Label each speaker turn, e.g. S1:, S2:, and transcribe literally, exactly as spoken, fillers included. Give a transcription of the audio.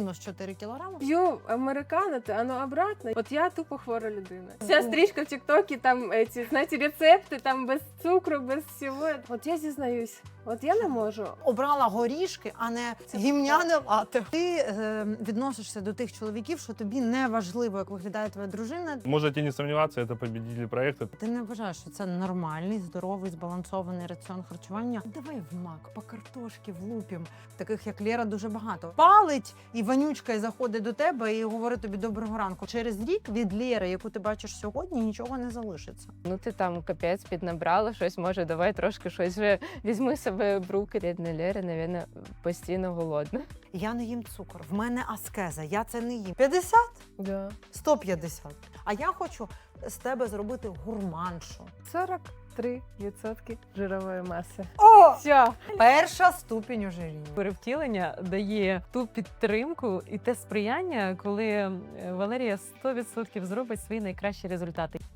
S1: мінус чотири кілограми.
S2: П'ю американо, а ну обратно. От я тупо хвора людина. Вся стрічка в тіктокі, там ці, знаєте, рецепти, там без цукру, без всього. От я зізнаюсь, от я не можу.
S1: Обрала горішки, а не гімняне лате. Ти е, відносишся до тих чоловіків, що тобі не важливо, як виглядає твоя дружина.
S3: Можете не сомневаться, это победители проекта.
S1: Ти не вважаєш, що це нормальний, здоровий, збалансований раціон харчування? Давай в мак, по картошки влупім. Таких, як Лера, дуже багато. Палить і вонючка і заходить до тебе і говорить тобі доброго ранку. Через рік від Лєри, яку ти бачиш сьогодні, нічого не залишиться.
S2: Ну ти там капець піднабрала щось, може давай трошки щось вже візьми себе в руки. Рідна Лера, навіть, постійно голодна.
S1: Я не їм цукор, в мене аскеза, я це не їм. п'ятдесят?
S2: Да.
S1: сто п'ятдесят. А я хочу з тебе зробити гурманшу.
S2: сорок три відсотки жирової маси.
S1: О!
S2: Все.
S1: Перша ступінь ожиріння.
S4: Перевтілення дає ту підтримку і те сприяння, коли Валерія сто відсотків зробить свої найкращі результати.